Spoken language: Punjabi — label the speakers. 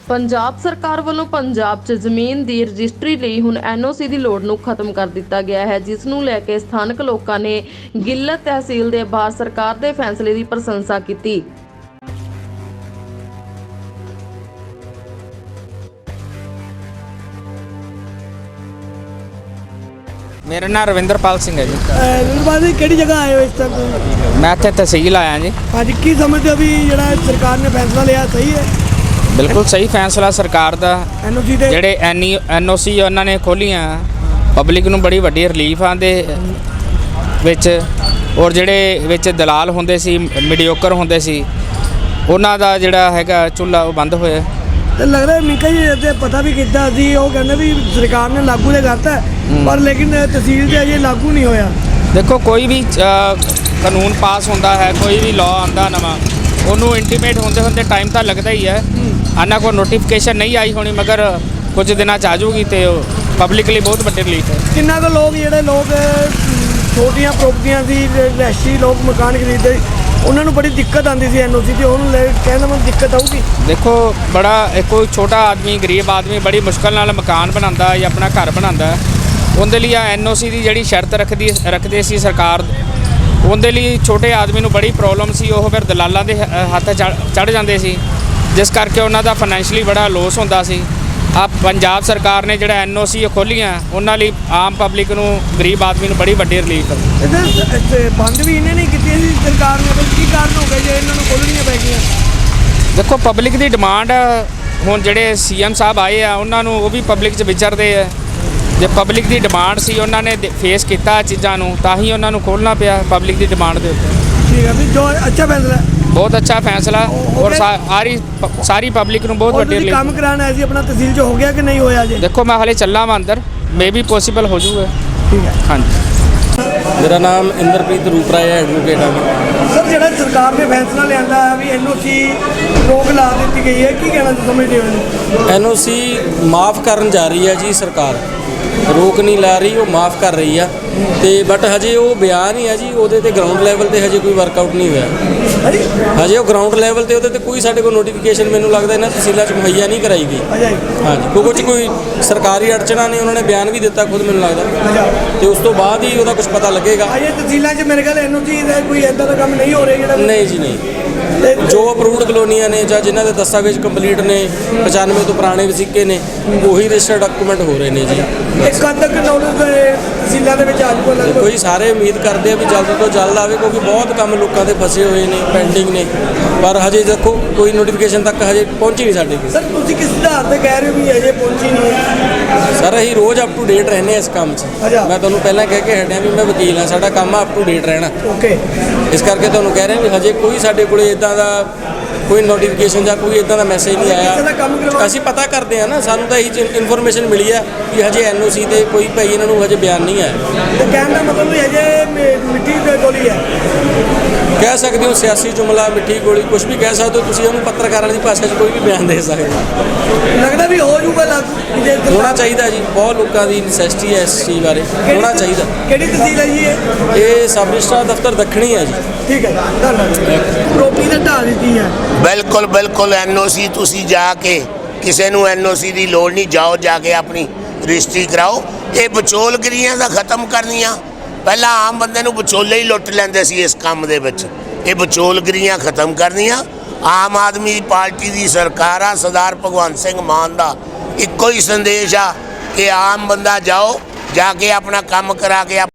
Speaker 1: ਪੰਜਾਬ ਸਰਕਾਰ ਵੱਲੋਂ ਪੰਜਾਬ 'ਚ ਜ਼ਮੀਨ ਦੀ ਰਜਿਸਟਰੀ ਲਈ ਹੁਣ ਐਨਓਸੀ ਦੀ ਲੋੜ ਨੂੰ ਖਤਮ ਕਰ ਦਿੱਤਾ ਗਿਆ ਹੈ, ਜਿਸ ਨੂੰ ਲੈ ਕੇ ਸਥਾਨਕ ਲੋਕਾਂ ਨੇ ਗਿੱਲਤ ਤਹਿਸੀਲ ਦੇ ਬਾਹਰ ਸਰਕਾਰ ਦੇ ਫੈਸਲੇ ਦੀ ਪ੍ਰਸ਼ੰਸਾ ਕੀਤੀ।
Speaker 2: मेरा नाम रविंद्रपाल सिंह है जी।
Speaker 3: रविंद्रपाल जी किहड़ी जगह आए हो इस टाइम?
Speaker 2: मैं इत्थे तहसील आया जी।
Speaker 3: आज की समझते हो भी जिहड़ा सरकार ने फैसला लिया सही है?
Speaker 2: बिल्कुल सही फैसला सरकार दा।
Speaker 3: एनओसी दे
Speaker 2: ਜਿਹੜੇ ਐਨਓਸੀ ਉਹਨਾਂ ਨੇ ਖੋਲੀਆਂ ਪਬਲਿਕ ਨੂੰ ਬੜੀ ਵੱਡੀ ਰਿਲੀਫ ਆਂਦੇ ਵਿੱਚ, ਔਰ ਜਿਹੜੇ ਵਿੱਚ ਦਲਾਲ ਹੁੰਦੇ ਸੀ, ਮੀਡੀਓਕਰ ਹੁੰਦੇ ਸੀ, ਉਹਨਾਂ ਦਾ ਜਿਹੜਾ ਹੈਗਾ ਚੁੱਲ੍ਹਾ ਉਹ ਬੰਦ ਹੋਇਆ।
Speaker 3: ਤੇ ਲੱਗਦਾ ਮਿੰਕਾ ਜੀ ਤੇ ਪਤਾ ਵੀ ਕੀਤਾ ਸੀ, ਉਹ ਕਹਿੰਦੇ ਵੀ ਸਰਕਾਰ ਨੇ ਲਾਗੂ ਤੇ ਕਰਤਾ ਪਰ ਲੇਕਿਨ ਤਹਿਸੀਲ 'ਚ ਅਜੇ ਲਾਗੂ ਨਹੀਂ ਹੋਇਆ।
Speaker 2: ਦੇਖੋ ਕੋਈ ਵੀ ਕਾਨੂੰਨ ਪਾਸ ਹੁੰਦਾ ਹੈ, ਕੋਈ ਵੀ ਲਾਅ ਆਉਂਦਾ ਨਵਾਂ, ਉਹਨੂੰ ਇੰਟੀਮੇਟ ਹੁੰਦੇ ਟਾਈਮ ਤਾਂ ਲੱਗਦਾ ਹੀ ਹੈ। ਇਹਨਾਂ ਕੋਲ ਨੋਟੀਫਿਕੇਸ਼ਨ ਨਹੀਂ ਆਈ ਹੋਣੀ, ਮਗਰ ਕੁਝ ਦਿਨਾਂ 'ਚ ਆ ਜਾਊਗੀ ਤੇ ਪਬਲਿਕ ਲਈ ਬਹੁਤ ਵੱਡੀ ਰਿਲੀਫ ਹੈ।
Speaker 3: ਕਿੰਨਾ ਕੁ ਲੋਕ ਜਿਹੜੇ ਲੋਕ ਛੋਟੀਆਂ ਪ੍ਰੋਪਰਟੀਆਂ ਦੀ ਰੈਸ਼ੀ ਲੋਕ ਮਕਾਨ ਖਰੀਦਦੇ ਉਹਨਾਂ ਨੂੰ ਬੜੀ ਦਿੱਕਤ ਆਉਂਦੀ ਸੀ ਐਨਓਸੀ ਦੀ, ਉਹਨੂੰ ਲੈ ਕਹਿੰਦਾ ਮੈਨੂੰ ਦਿੱਕਤ ਆਊਗੀ।
Speaker 2: ਦੇਖੋ ਬੜਾ ਕੋਈ ਛੋਟਾ ਆਦਮੀ, ਗਰੀਬ ਆਦਮੀ ਬੜੀ ਮੁਸ਼ਕਲ ਨਾਲ ਮਕਾਨ ਬਣਾਉਂਦਾ ਜਾਂ ਆਪਣਾ ਘਰ ਬਣਾਉਂਦਾ, ਉਹਦੇ ਲਈ ਐਨਓਸੀ ਦੀ ਜਿਹੜੀ ਸ਼ਰਤ ਰੱਖਦੇ ਸੀ ਸਰਕਾਰ, ਉਹਦੇ ਲਈ ਛੋਟੇ ਆਦਮੀ ਨੂੰ ਬੜੀ ਪ੍ਰੋਬਲਮ ਸੀ। ਉਹ ਫਿਰ ਦਲਾਲਾਂ ਦੇ ਹੱਥ ਚੜ੍ਹ ਜਾਂਦੇ ਸੀ, ਜਿਸ ਕਰਕੇ ਉਹਨਾਂ ਦਾ ਫਾਈਨੈਂਸ਼ਲੀ ਬੜਾ ਲੋਸ ਹੁੰਦਾ ਸੀ। ਆ ਪੰਜਾਬ ਸਰਕਾਰ ਨੇ ਜਿਹੜਾ ਐਨਓਸੀ ਖੋਲੀਆਂ, ਉਹਨਾਂ ਲਈ ਆਮ ਪਬਲਿਕ ਨੂੰ, ਗਰੀਬ ਆਦਮੀ ਨੂੰ ਬੜੀ ਵੱਡੀ ਰਿਲੀਫ ਹੈ।
Speaker 3: ਇਹਦੇ ਬੰਦ ਵੀ ਇਹਨੇ ਨਹੀਂ ਕੀਤੀ ਸੀ ਸਰਕਾਰ ਨੇ, ਕੀ ਕਾਰਨ ਹੋ ਗਿਆ ਜੇ ਇਹਨਾਂ ਨੂੰ ਖੋਲ੍ਹਣੀਆਂ ਪੈ ਗਈਆਂ?
Speaker 2: ਦੇਖੋ ਪਬਲਿਕ ਦੀ ਡਿਮਾਂਡ, ਹੁਣ ਜਿਹੜੇ ਸੀਐਮ ਸਾਹਿਬ ਆਏ ਆ ਉਹਨਾਂ ਨੂੰ ਉਹ ਵੀ ਪਬਲਿਕ 'ਚ ਵਿਚਰਦੇ ਆ। ਜੇ ਪਬਲਿਕ ਦੀ ਡਿਮਾਂਡ ਸੀ, ਉਹਨਾਂ ਨੇ ਫੇਸ ਕੀਤਾ ਚੀਜ਼ਾਂ ਨੂੰ, ਤਾਂ ਹੀ ਉਹਨਾਂ ਨੂੰ ਖੋਲ੍ਹਣਾ ਪਿਆ ਪਬਲਿਕ ਦੀ ਡਿਮਾਂਡ ਦੇ ਉੱਤੇ।
Speaker 3: ਠੀਕ ਹੈ ਵੀ ਜੋ ਅੱਛਾ ਫੈਸਲਾ,
Speaker 2: ਬਹੁਤ ਅੱਛਾ ਫੈਸਲਾ, ਔਰ ਸਾਰੀ ਪਬਲਿਕ ਨੂੰ ਬਹੁਤ ਵੱਡੀ
Speaker 3: ਕੰਮ ਕਰਾਉਣਾ ਹੈ ਸੀ ਆਪਣਾ ਤਹਿਸੀਲ 'ਚ ਹੋ ਗਿਆ ਕਿ ਨਹੀਂ ਹੋਇਆ ਜੀ?
Speaker 2: ਦੇਖੋ ਮੈਂ ਹਾਲੇ ਚੱਲਾਂ ਵਾਂ ਅੰਦਰ, ਮੇ ਵੀ ਪੋਸੀਬਲ ਹੋ ਜਾਊਗਾ।
Speaker 3: ਠੀਕ ਹੈ
Speaker 2: ਹਾਂਜੀ।
Speaker 4: ਮੇਰਾ ਨਾਮ ਇੰਦਰਪ੍ਰੀਤ ਰੂਪਰਾਏ ਹੈ, ਐਡਵੋਕੇਟ ਹਾਂ।
Speaker 3: ਸਰ ਜਿਹੜਾ ਸਰਕਾਰ ਨੇ ਫੈਸਲਾ ਲਿਆਂਦਾ ਹੈ ਵੀ ਐਨਓਸੀ ਰੋਕ ਲਾ ਦਿੱਤੀ ਗਈ ਹੈ, ਕੀ ਕਹਿਣਾ ਸਮਝਦੇ ਹੋ?
Speaker 4: ਐਨਓਸੀ ਮਾਫ ਕਰਨ ਜਾ ਰਹੀ ਹੈ ਜੀ ਸਰਕਾਰ, ਰੋਕ ਨਹੀਂ ਲਾ ਰਹੀ, ਉਹ ਮਾਫ ਕਰ ਰਹੀ ਆ। ਤੇ ਬਟ ਹਜੇ ਉਹ ਬਿਆਨ ਹੀ ਆ ਜੀ, ਉਹਦੇ ਤੇ ਗਰਾਊਂਡ ਲੈਵਲ ਤੇ ਹਜੇ ਕੋਈ ਵਰਕਆਊਟ ਨਹੀਂ ਹੋਇਆ। ਹਜੇ ਉਹ ਗਰਾਊਂਡ ਲੈਵਲ ਤੇ ਉਹਦੇ ਤੇ ਕੋਈ ਸਾਡੇ ਕੋਲ ਨੋਟੀਫਿਕੇਸ਼ਨ ਮੈਨੂੰ ਲੱਗਦਾ ਇਹਨਾਂ ਤਹਿਸੀਲਾਂ 'ਚ ਮੁਹੱਈਆ ਨਹੀਂ ਕਰਾਈ ਗਈ। ਹਾਂਜੀ, ਕੁਝ ਕੋਈ ਸਰਕਾਰੀ ਅੜਚਣਾ ਨੇ, ਉਹਨਾਂ ਨੇ ਬਿਆਨ ਵੀ ਦਿੱਤਾ ਖੁਦ ਮੈਨੂੰ ਲੱਗਦਾ, ਤੇ ਉਸ ਤੋਂ ਬਾਅਦ ਹੀ ਉਹਦਾ ਕੁਝ ਪਤਾ ਲੱਗੇਗਾ।
Speaker 3: ਅਜੇ ਤਹਿਸੀਲਾਂ 'ਚ ਮੇਰੇ ਖਿਆਲ ਐਨਓਸੀ ਦਾ ਕੋਈ ਇੱਦਾਂ ਦਾ ਕੰਮ ਨਹੀਂ ਹੋ ਰਿਹਾ ਜਿਹੜਾ?
Speaker 4: ਨਹੀਂ ਜੀ ਨਹੀਂ, ਜੋ ਅਪਰੂਵਡ ਕਲੋਨੀਆਂ ਨੇ ਜਾਂ ਜਿਨ੍ਹਾਂ ਦੇ ਦਸਤਾਵੇਜ਼ ਕੰਪਲੀਟ ਨੇ, 95 ਤੋਂ ਪੁਰਾਣੇ ਵਸੀਕੇ ਨੇ, ਉਹੀ ਰਜਿਸਟਰਡ ਡਾਕੂਮੈਂਟ ਹੋ ਰਹੇ ਨੇ ਜੀ।
Speaker 3: ਕਦ ਤੱਕ ਨੌਲੇਜ ਤਹਿਸੀਲਾਂ ਦੇ ਵਿੱਚ ਆ ਜਾਊਗਾ?
Speaker 4: ਕੋਈ ਸਾਰੇ ਉਮੀਦ ਕਰਦੇ ਆ ਵੀ ਜਲਦ ਤੋਂ ਜਲਦ ਆਵੇ, ਕਿਉਂਕਿ ਬਹੁਤ ਕੰਮ ਲੋਕਾਂ ਦੇ ਫਸੇ ਹੋਏ ਨੇ, ਪੈਂਡਿੰਗ ਨੇ, ਪਰ ਹਜੇ ਦੇਖੋ ਕੋਈ ਨੋਟੀਫਿਕੇਸ਼ਨ ਤੱਕ ਹਜੇ ਪਹੁੰਚੀ ਨਹੀਂ ਸਾਡੇ ਕੋਲ।
Speaker 3: ਸਰ ਤੁਸੀਂ ਕਿਸ ਆਧਾਰ ਤੇ ਕਹਿ ਰਹੇ ਹੋ ਵੀ ਹਜੇ ਪਹੁੰਚੀ ਨਹੀਂ?
Speaker 4: ਸਰ ਅਸੀਂ ਰੋਜ਼ ਅਪ ਟੂ ਡੇਟ ਰਹਿੰਦੇ ਇਸ ਕੰਮ 'ਚ। ਮੈਂ ਤੁਹਾਨੂੰ ਪਹਿਲਾਂ ਕਹਿ ਕੇ ਹਟਿਆ ਵੀ ਮੈਂ ਵਕੀਲ ਹਾਂ, ਸਾਡਾ ਕੰਮ ਆ ਅਪ ਟੂ ਡੇਟ ਰਹਿਣਾ।
Speaker 3: ਓਕੇ,
Speaker 4: ਇਸ ਕਰਕੇ ਤੁਹਾਨੂੰ ਕਹਿ ਰਿਹਾ ਵੀ ਹਜੇ ਕੋਈ ਸਾਡੇ ਕੋਲੇ ਇੱਦਾਂ ਦਾ ਕੋਈ ਨੋਟੀਫਿਕੇਸ਼ਨ ਜਾਂ ਕੋਈ ਇੱਦਾਂ ਦਾ ਮੈਸੇਜ ਨਹੀਂ ਆਇਆ। ਅਸੀਂ ਪਤਾ ਕਰਦੇ ਹਾਂ ਨਾ, ਸਾਨੂੰ ਤਾਂ ਇਹੀ ਇਨਫੋਰਮੇਸ਼ਨ ਮਿਲੀ ਹੈ ਕਿ ਹਜੇ ਐਨਓਸੀ ਤੇ ਕੋਈ ਭਾਈ ਇਹਨਾਂ ਨੂੰ ਹਜੇ ਬਿਆਨ ਨਹੀਂ ਆਇਆ।
Speaker 3: ਤੇ ਕਹਿਣ ਦਾ ਮਤਲਬ ਵੀ ਹਜੇ ਮਿੱਟੀ ਦੇ ਗੋਲੀ ਹੈ,
Speaker 4: ਕਹਿ ਸਕਦੇ ਹੋ ਸਿਆਸੀ ਜੁਮਲਾ, ਮਿੱਠੀ ਗੋਲੀ, ਕੁਝ ਵੀ ਕਹਿ ਸਕਦੇ ਹੋ ਤੁਸੀਂ ਉਹਨੂੰ। ਪੱਤਰਕਾਰਾਂ ਦੀ ਭਾਸ਼ਾ 'ਚ ਕੋਈ ਵੀ ਬਿਆਨ ਦੇ ਸਕਦੇ ਹੋ।
Speaker 3: ਲੱਗਦਾ ਵੀ ਹੋ ਜਾਊਗਾ ਲਾਗੂ?
Speaker 4: ਹੋਣਾ ਚਾਹੀਦਾ ਜੀ, ਬਹੁਤ ਲੋਕਾਂ ਦੀ ਨੈਸੈਸਿਟੀ ਹੈ ਇਸ ਚੀਜ਼ ਬਾਰੇ, ਹੋਣਾ ਚਾਹੀਦਾ।
Speaker 3: ਕਿਹੜੀ ਤਹਿਸੀਲ ਹੈ ਜੀ
Speaker 4: ਇਹ ਸਬ ਰਜਿਸਟਰਾਰ ਦਫ਼ਤਰ ਦੱਖਣੀ ਹੈ ਜੀ।
Speaker 3: ਠੀਕ ਹੈ, ਧੰਨਵਾਦ। ਪ੍ਰੋਪਰਟੀ ਤਾਂ ਢਾਹ ਦਿੱਤੀ ਹੈ।
Speaker 5: ਬਿਲਕੁਲ ਐਨਓਸੀ ਤੁਸੀਂ ਜਾ ਕੇ, ਕਿਸੇ ਨੂੰ ਐਨਓਸੀ ਦੀ ਲੋੜ ਨਹੀਂ, ਜਾਓ ਜਾ ਕੇ ਆਪਣੀ ਰਜਿਸਟਰੀ ਕਰਾਓ। ਇਹ ਵਿਚੋਲਗਿਰੀਆਂ ਦਾ ਖਤਮ ਕਰਨੀਆਂ, ਪਹਿਲਾਂ ਆਮ ਬੰਦੇ ਨੂੰ ਵਿਚੋਲੇ ਹੀ ਲੁੱਟ ਲੈਂਦੇ ਸੀ ਇਸ ਕੰਮ ਦੇ ਵਿੱਚ, ਇਹ ਵਿਚੋਲਗਿਰੀਆਂ ਖਤਮ ਕਰਨੀਆਂ। ਆਮ ਆਦਮੀ ਪਾਰਟੀ ਦੀ ਸਰਕਾਰ ਆ, ਸਰਦਾਰ ਭਗਵੰਤ ਸਿੰਘ ਮਾਨ ਦਾ ਇੱਕੋ ਹੀ ਸੰਦੇਸ਼ ਆ ਕਿ ਆਮ ਬੰਦਾ ਜਾਓ, ਜਾ ਕੇ ਆਪਣਾ ਕੰਮ ਕਰਾ ਕੇ